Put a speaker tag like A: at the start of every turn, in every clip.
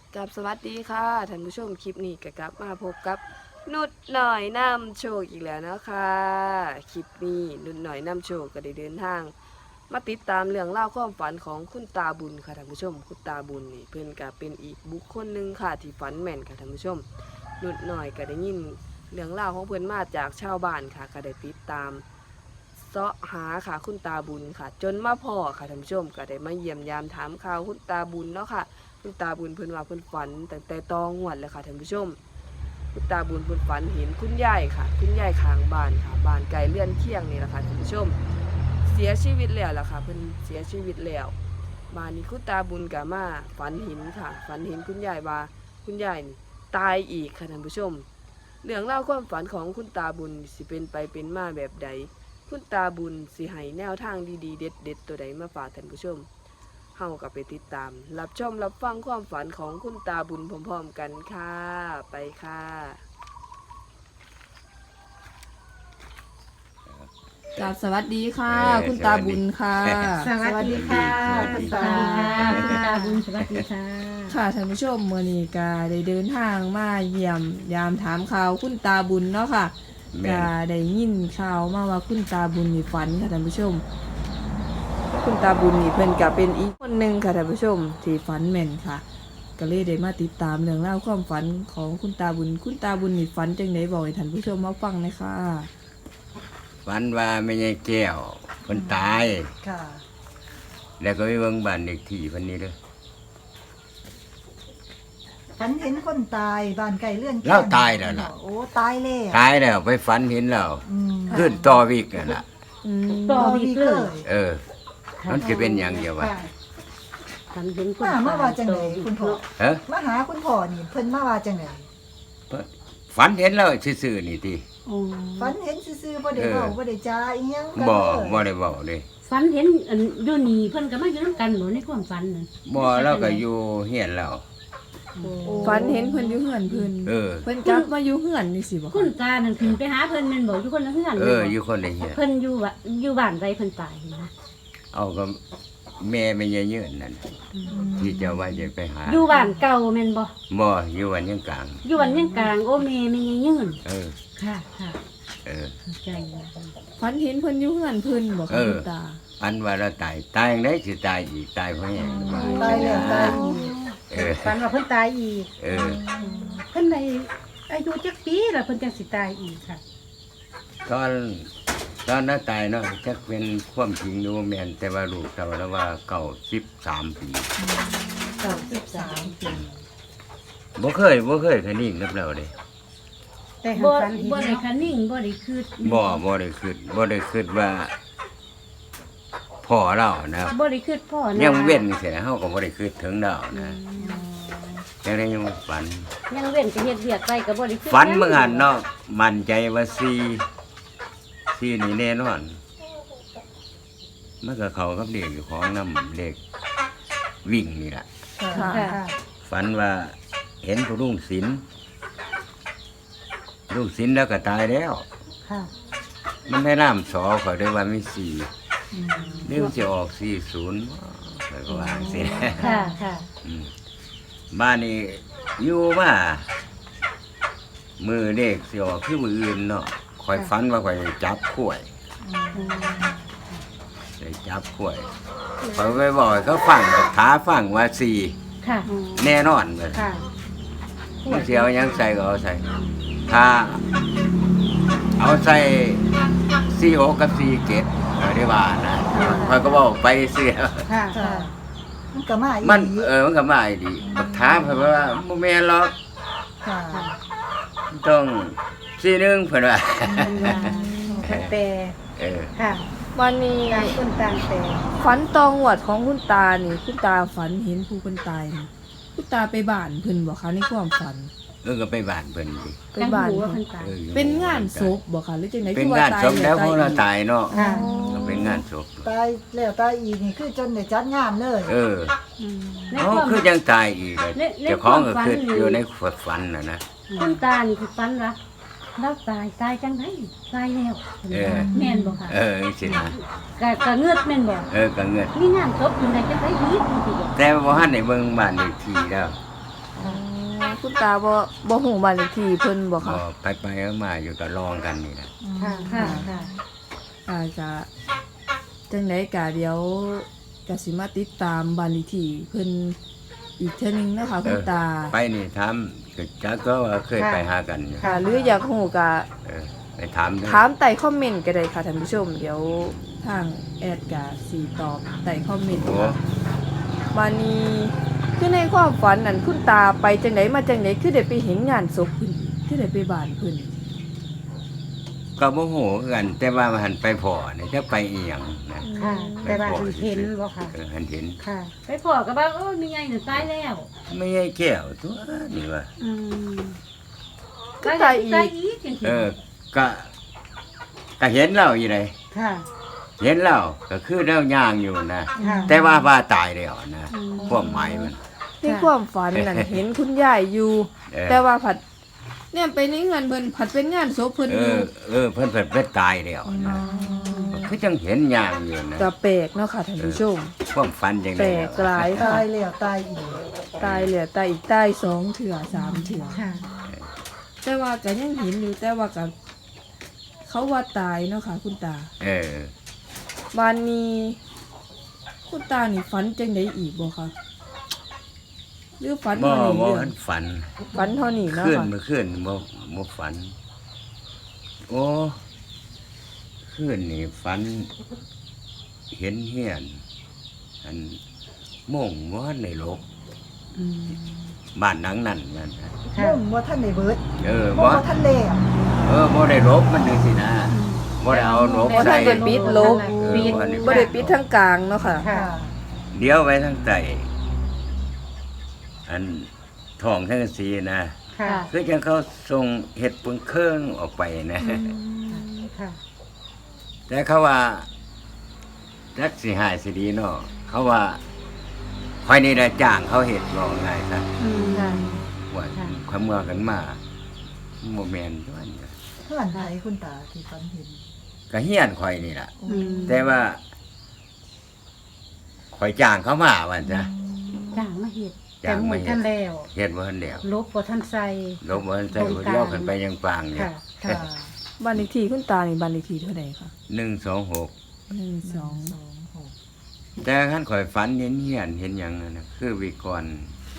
A: กับสวัสดีค่ะท่านผู้ชมคลิปนี้ก็กลับมาพบกับนุดหน่อยนำโชคอีกแล้วนะคะคลิปนี้นุดหน่อยนำโชคก็ได้เดินทางมาติดตามเรื่องเล่าวความฝันของคุณตาบุญค่ะท่านผู้ชมคุณตาบุญนี่เพิ่นก็เป็นอีกบุคคลหนึ่งค่ะที่ฝันแม่นค่ะท่านผู้ชมนุดหน่อยก็ได้ยินเรื่องเล่าวของเพิ่นมาจากชาวบ้านค่ะก็ได้ติดตามเสาะหาค่ะคุณตาบุญค่ะ จนมาพ่อค่ะท่านผู้ชมก็ได้มาเยี่ยมยามถามข่าวคุณตาบุญเนาะค่ะ คุณตาบุญเพิ่นว่าเพิ่นฝันตั้งแต่ตองวดเลยค่ะท่านผู้ชมคุณตาบุญเพิ่นฝันเห็นคุณยายค่ะคุณยายข้างบ้านค่ะบ้านไกลเลื่อนเคียงนี่แหละค่ะท่านผู้ชมเสียชีวิตแล้วล่ะค่ะเพิ่นเสียชีวิตแล้วบ้านนี้คุณตาบุญก็มาฝันเห็นค่ะฝันเห็นคุณยายว่าคุณยายนี่ตายอีกค่ะท่านผู้ชมเรื่องเล่าวความฝันของคุณตาบุญสิเป็นไปเป็นมาแบบใดคุณตาบุญสิให้แนวทางดีๆเด็ดๆตัวใดมาฝากท่านผู้ชมเฮากับไปติดตามรับชมรับฟังความฝันของคุณตาบุญพร้อมๆกันค่ะไปค่ะกราบสวัสดีค่ะคุณตาบุญค่ะ
B: สวัสดีค่ะ
C: สวัสดีค่ะคุณตาบุญสวัสดีค่ะ
A: ค่ะท่านผู้ชมมื้อนี้ก็ได้เดินทางมาเยี่ยมยามถามข่าวคุณตาบุญเนาะค่ะก็ได้ยินข่าวมาว่าคุณตาบุญนี่ฝันค่ะท่านผู้ชมคุณตาบุญนี่เพิ่นก็เป็นอีกคนหนึ่งค่ะท่านผู้ชมที่ฝันแม่นค่ะก็เลยได้มาติดตามเรื่องราวความฝันของคุณตาบุญคุณตาบุญนี่ฝันจังไดบอกให้ท่านผู้ชมมาฟังหน่อยค่ะ
B: ฝันว่าไม่ใช่แก้วคนตาย
C: ค่ะ
B: แล้วก็ไปเบิ่งบ้านเด็กที่เพันนี้เด้อ
C: ฝันเห็นคนตายบ้านไก่เลื่อน
B: เราตายแล้วล่ะ
C: โอ้ตายแล้ว
B: ตายแล้วไปฝันเห็นแล้ว
C: อืม
B: ขึ้นต่อวิกนั่นล่ะ
A: ต่อ
C: วีเลย
B: เออมันจะเป็นอย่างเดียววะ
D: ฝันเห็นคน
C: มาเมื่อว่าจังไหนคุณพ่อ
B: เอ้อ
C: มาหาคุณพ่อนี่เพิ่นมาว่าจังไหน
B: ฝันเห็นแล้วซื่อๆนี่ติ
D: โอ้
C: ฝันเห็นซื่อๆบ่ได้เว้าบ่ได้จาอีหยังกัน
B: บ่
C: เลย
B: บ่ได้เว้าเด้
D: ฝันเห็นอันอยู่นี่เพิ่นก็มาอยู่นํกันหนูในความฝันนั่น
B: บ่เราก็อยู่เฮียนแล้ว
D: โอ้
A: ฝันเห็นเพิ่นอยู่เฮือนเพิ่น
B: เออ
A: เพิ่นกลับมาอยู่เฮือนนี่สิบ่
D: คุณตานั่นขึ้นไปหาเพิ่นแม่นบ่อยู่คนละเฮือน
B: เอ
D: แม่น
B: อ
D: บ่
B: อยู่คนในเฮียน
D: เพิ่นอยู่ว่าอยู่บ้านใดเพิ่นตายนะ
B: เอาก็แม่ไม่ใช่ยืนนั่นที่เจะว่าจะไปหา
D: อยู่บ้านเก่าแม่นบ่
B: บ่อยู่วันยังกลาง
D: อยู่วันยังกลางโอ้แม่ไม่ยังยืน
B: เออ
D: ค่ะค่ะ
B: เออ
D: เข้าใจแล้ว
A: ฝันเห็นเพิ่นอยู่เฮือนเพิ่นบ่
B: เอ
A: ค่ะ
B: อ
A: คุณตา
B: อันว่าเราตายตายอย่างไรสิตายอีกตายเพราะหยังว่า
C: ตายแล้วตายอีก
B: เออ
D: ฝันว่าเพิ่นตายอีก
B: เออ
D: เพิ่นได้อายุจักปีแล้วเพิ่นจังสิตายอีกค่ะ
B: ตอนนั้นตายเนาะจักเป็นความจริงดูแม่นแต่ว่าลูกเราแล้วว่า93 ปี
C: 93ปี
B: บ่เคยคันนี้กับเราเด้
D: แต่
E: บ่
D: ฝันเห็น
E: บ่ได้คันนิ่งบ่ได้คืด
B: บ่ได้คิดว่าพ่อเรานะ
E: บ่ได้คืดพ่อนะ
B: ยังเว้นเสียเฮาก็บ่ได้คิดถึงเรานะจังได๋ยังฝัน
E: ยังเว้นก็เฮ็ดเวียกไปก็บ่ได้คืด
B: ฝันเมื่อหันเนาะมั่นใจว่า4นี่แน่นอนมันก็เข้ากับเลขอยู่ของนำเลขวิ่งนี่ล่ะ
C: ค่ะ
E: ค่ะ
B: ฝันว่าเห็นผู้ลุงศิลป์ลุงศิลป์แล้วก็ตายแล้ว
E: ค่ะ
B: มันได้น้ำสอเขาได้ว่ามีสี่นี่มันจะออก40แล้วก็วางสิ
E: ค่ะค่ะ
B: อืมบ้านนี้อยู่มามือเด็กสิออกคือมืออื่นเนาะคอยฝันว่าคอยจับข่วยได้จับข่วยคอยไปบอกให้เขาฟังกับท้าฟังว่าสี่
E: ค่ะ
B: แน่นอนเลย
E: ค่ะ
B: มันเสียวยังใส่ก็เอาใส่ถ้าเอาใส่46กับ47เอาได้ว่านะคอยก็บอกไปเสีย
E: ค่ะ
C: ค่ะมันก็มาอีก
B: มันมันก็มาอีดีบักถามเพิ่นว่าบ่แม่นหรอก
C: ค่ะ
B: ต้อง41เพิ่นว่า
E: แต่
B: เออ
E: ค่ะ
A: วันนี้
E: ต่างคนต่างแต่
A: ฝันตองหวดของคุณตานี่คุณตาฝันเห็นผู้คนตายนี่คุณตาไปบ้านเพิ่นบ่คะในความฝัน
B: ก็ไปบ้านเพิ่นดิ
A: ไป
D: จัง
A: บ้าน
D: หูว่า
A: เพิ่
D: เพิ่
A: น
D: นตาย
B: อยู่
A: เป็นงานศพบ่คะหรือจังได๋
B: เป็นงานศพแล้วเพราะเราตายเนาะ
E: ค่ะ
B: ก็เป็นงานศพ
C: ตายแล้วตายอีกนี่คือจนได้จัดงานเลย
B: เออ
D: ใน
B: อ๋อ
D: ความ
B: คือยังตายอีกเลย
D: ใน
B: เจ้าของก็
D: ความฝัน
B: คือ
D: นี่
B: อยู่ในฝันน่ะนะ
D: คุณตานี่คือฝันว่าเราตายจังได๋ตายแล้วแม่นบ่ค่ะ
B: จังซี่นะ
D: ก็เงือดแม่นบ่
B: ก็เงิน
D: มีงานศพอยู่ในจังได๋อีกจังซี่บ่
B: แต่ว่าบ่ทันได้เบิ่งบ้านเลขที่แล้ว
A: คุณตาบ่ฮู้บ้านเลขที่เพิ่นบ่
B: ก็
A: ค่ะ
B: ไปมาอยู่ก็ลองกันนี่แหละ
E: ค่ะค่ะค่ะ
A: จะจังไดก็เดี๋ยวก็สิมาติดตามบ้านเลขที่เพิ่นอีกเทื่อนึงนะคะคุณตา
B: ไปนี่ถามก็จักก็ว่าเคยไปหากันอยู่
A: ค่ะหรืออยากฮู้ก็
B: ไปถามเด้อ
A: ถามใต้คอมเมนต์ก็ได้ค่ะท่านผู้ชม เดี๋ยวทางแอดก็สิตอบใต้คอมเมนต์
B: โอ้
A: ค่ะวันนี้คือในความฝันนั่นคุณตาไปจังไดมาจังไดคือได้ไปเห็นงานศพเพิ่นคือได้ไปบ้านเพิ่น
B: ก็บ่ฮู้คือกัน แต่ว่ามันหันไปพอนี่จะไปอีหยังนะ
E: ค่ะ แต่ว่าเห็นบ่ค่ะ
B: หันเห็น
E: ค่ะ
D: ไปพ่อก็ว่าโอ้มีไงน่ะตายแล้ว
B: ไม่ใช่แก้วตัวนี่ว่า
E: อืม
A: ก็ตายอี
D: ตาย
A: ก
D: อีกจังซี่
B: ก็เห็นเราอยู่เลย
E: ค่ะ
B: เห็นเราก็คือเราย่างอยู่นะ
E: ค่ะ
B: แต่ว่าตายแล้วนะความหมายมัน
A: ในความฝันนั่นเห็นคุณยายอยู่
B: เออ
A: แต่ว่าผัดเนี่ยไปในเงินเพิ่นผัดเป็นงานศพเพิ่น
B: เอ
A: อยู่
B: เพิ่นเพิ่นตายแล้วนะคือจังเห็นย่างอยู่นะ
A: ก็แปลกเนาะค่ะท่านผู้ชม
B: ความฝันจัง
A: แป
B: ได๋
A: ลกหลายค่ะ
C: ตายแล้วตายอีก
A: ตายเหลือตายอีกตาย2เถื่อ3เถื่อ
E: ค่ะ
A: แต่ว่าก็ยังเห็นอยู่แต่ว่าก็เขาว่าตายเนาะค่ะ คุณตา วันนี้คุณตานี่ฝันจังไดอีกบ่คะหรือฝัน
B: บ่
A: เท่านี้
B: บ่
A: เรื่อง
B: ทันฝัน
A: ฝันเท่านี้เนาะ
B: ขึ้น
A: ค่ะ
B: เมื่อคืนบ่ฝัน โอ้คืนนี่ฝัน เห็นเฮียน อันโม่งบ่ทันได้ลบบ้านหลังนั้นมัน
E: ค่ะ
C: มุ่งว่าท่านได้เบิด
B: บ่
C: ว่าท่านแล้ว
B: บ่ได้ลบมันจังซี่นะบ่ได้เอาลบ
A: บ่
B: ใส่
A: ทันได้ปิดลบ
E: ปิด
A: บ่ได้ปิดทั้งกลางเนาะค่ะ
E: ค่ะ
B: เดี๋ยวไว้ทั้งใต้อันท้องทั้งสีนะ
E: ค่ะ
B: คือจังเขาส่งเห็ดปึงเครื่องออกไปนะ
E: ค่ะ
B: แต่เขาว่าจักสิหายสิดีเนาะเขาว่าคอยนี่ได้จ้างเขาเห็ดบ่ง่ายซะ
E: ค่ะ
B: ว่า
E: ค่ะ
B: ความเมื่อกันมาบ่แม่นด้วย
C: เพื่อนไหนคุณตาที่ฝันเห็น
B: ก็เฮียนคอยนี่ล่ะ
E: อืม
B: แต่ว่าคอยจ้างเขามาว่าจ้ะ
E: จ้างมาเฮ็ด
B: จ้างมาเฮ็ด
E: แต่หท่านแล้ว
B: เฮ็ดบ่ทันแล้ว
E: ลบบ่ท่านใส่
B: ลบบ่ทันใส่คนเดียวกันไปยังปางเนี่ย
E: ค่ะ
C: ค่ะ
A: บ้านเลขที่คุณตานี่บ้านเลขที่เท่าใดคะ
B: 126
A: 12
B: แต่ขั้นข่อยฝันเห็นเฮียนเห็นหยังนั่นน่ะคือวิกร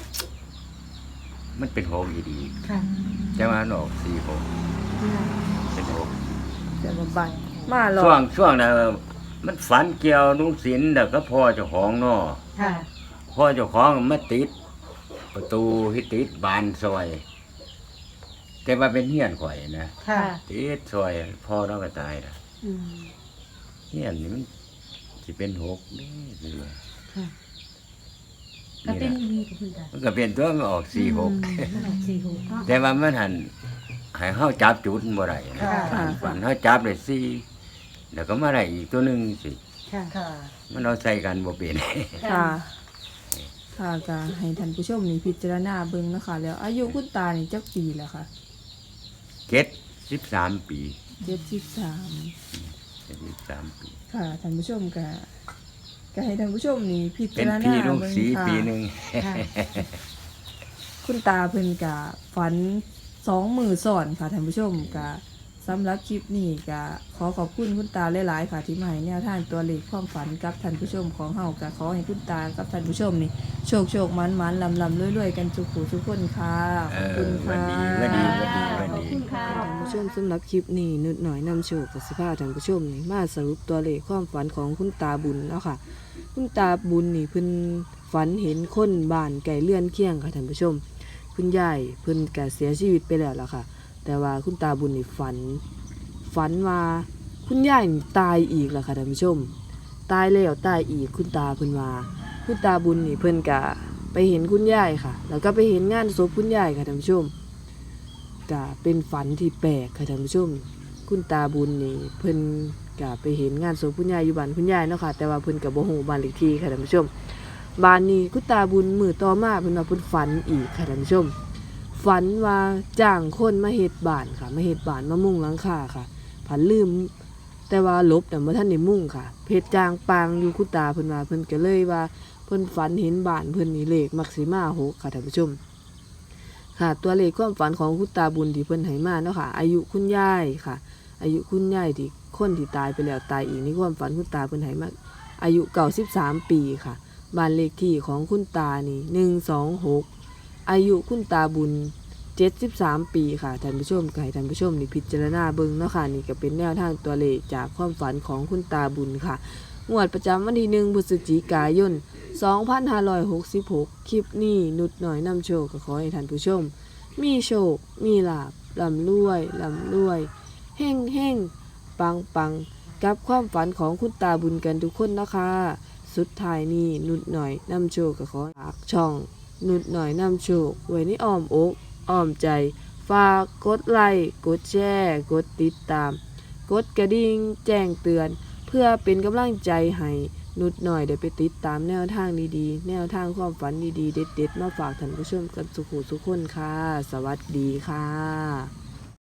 B: มันเป็น6อีดี
E: ค่ะ
B: แต่ว่ามันออก46
E: ค่ะ
B: เป็น6
A: แต่ว่าบ้านมาหรอ
B: ช่วงนั้นมันฝันเกี่ยวนุ่งศิลป์แล้วก็พ่อเจ้าของเนาะ
E: ค่ะ
B: พ่อเจ้าของมาติด ประตูที่ติดบานซอย แต่ว่าเป็นเฮียนข่อยนะ
E: ค่ะ
B: ติดซอยพ่อเราก็ตายนะ
E: อืม
B: เฮียนนี่มันสิเป็น6นี่คือ
E: ค่ะ
D: ก็เป็น
B: นี่
D: อีหลีกับคุณตา
B: มันก็เป็นตัวมันออก46
D: มันออก46เนาะ
B: แต่ว่ามันหันให้เฮาจับจุดบ่ได้นะ
C: ค่ะ
B: ฝันเฮาจับได้4แล้วก็มาได้อีกตัวหนึงสิ
E: ค่ะ
C: ค่ะ
B: มันเอาใส่กันบ่เป็น
A: ค่ะค่ะก็ให้ท่านผู้ชมนี่พิจารณาเบิ่งเนาะคะแล้วอายุคุณตานี่จักปีแล้วค่ะ
B: 13 ปี
A: 73
B: 13ปี
A: ค่ะท่านผู้ชมก็ให้ท่านผู้ชมนี่พิ
B: เป็
A: จาน รณา
B: พี่ลุง
A: เบิ่ง
B: สี
A: ค่ะ
B: ปีหนึง
E: ค่ะ
A: คุณตาเพิ่นก็ฝัน2มื้อซ้อนค่ะท่านผู้ชมก็สำหรับคลิปนี้ก็ขอขอบคุณคุณตาหลายๆค่ะที่มาให้แนวทางตัวเลขความฝันกับท่านผู้ชมของเฮาก็ขอให้คุณตากับท่านผู้ชมนี่โชคมันลำรวยๆกันทุกผู้ทุกคนค่ะขอบคุณ
B: วั
A: ค่ะ
B: นดีวันดีวันดีวัน
D: ขอบ
B: ดี
D: คุณค่ะ
A: ท่านผู้ชมสำหรับคลิปนี้นุดหน่อยนำโชคกับสิพาท่านผู้ชมนี่มาสรุปตัวเลขความฝันของคุณตาบุญเนาะค่ะ คุณตาบุญนี่เพิ่นฝันเห็นคนบ้านไก่เลื่อนเคียงค่ะท่านผู้ชม คุณยายเพิ่นก็เสียชีวิตไปแล้วล่ะค่ะ แต่ว่าคุณตาบุญนี่ฝันว่าคุณยายนี่ตายอีกล่ะค่ะท่านผู้ชม ตายแล้วตายอีกคุณตาเพิ่นว่าคุณตาบุญนี่เพิ่นก็ไปเห็นคุณยายค่ะ แล้วก็ไปเห็นงานศพคุณยายค่ะท่านผู้ชมก็เป็นฝันที่แปลกค่ะท่านผู้ชม คุณตาบุญนี่เพิ่นก็ไปเห็นงานศพคุณยายอยู่บ้านคุณยายเนาะค่ะแต่ว่าเพิ่นก็บ่ฮู้บ้านเลขที่ค่ะท่านผู้ชมบ้านนี้คุณตาบุญมื้อต่อมาเพิ่นว่าเพิ่นฝันอีกค่ะท่านผู้ชม ฝันว่าจ้างคนมาเฮ็ดบ้านค่ะมาเฮ็ดบ้านมามุงหลังคาค่ะผันลืมแต่ว่าลบแต่บ่ทันได้มุงค่ะเพชรจางปางอยู่คุณตาเพิ่นว่าเพิ่นก็เลยว่าเพิ่นฝันเห็นบ้านเพิ่นนี่เลขมักสิมา6ค่ะท่านผู้ชมค่ะ ตัวเลขความฝันของคุณตาบุญที่เพิ่นให้มาเนาะค่ะ อายุคุณยายค่ะ อายุคุณยายที่คนที่ตายไปแล้วตายอีกในความฝันคุณตาเพิ่นให้มาอายุ93ปีค่ะบ้านเลขที่ของคุณตานี่126อายุคุณตาบุญ73ปีค่ะท่านผู้ชมก็ให้ท่านผู้ชมนี่พิจารณาเบิ่งเนาะค่ะนี่ก็เป็นแนวทางตัวเลขจากความฝันของคุณตาบุญค่ะงวดประจำวันที่1พฤศจิกายน2566คลิปนี้นุดหน่อยนำโชคก็ขอให้ท่านผู้ชมมีโชคมีลาภร่ำรวยเฮ่งเฮ่งปังกับความฝันของคุณตาบุญกันทุกคนนะคะสุดท้ายนี้นุดหน่อยนำโชคก็ขอฝากช่องนุดหน่อยนำโชคไว้ในอ้อมอกอ้อมใจฝากกดไลค์กดแชร์กดติดตามกดกระดิ่งแจ้งเตือนเพื่อเป็นกำลังใจให้นุดหน่อยได้ไปติดตามแนวทางดีๆแนวทางความฝันดีๆเด็ดๆมาฝากท่านผู้ชมกันสุขทุกคนค่ะสวัสดีค่ะ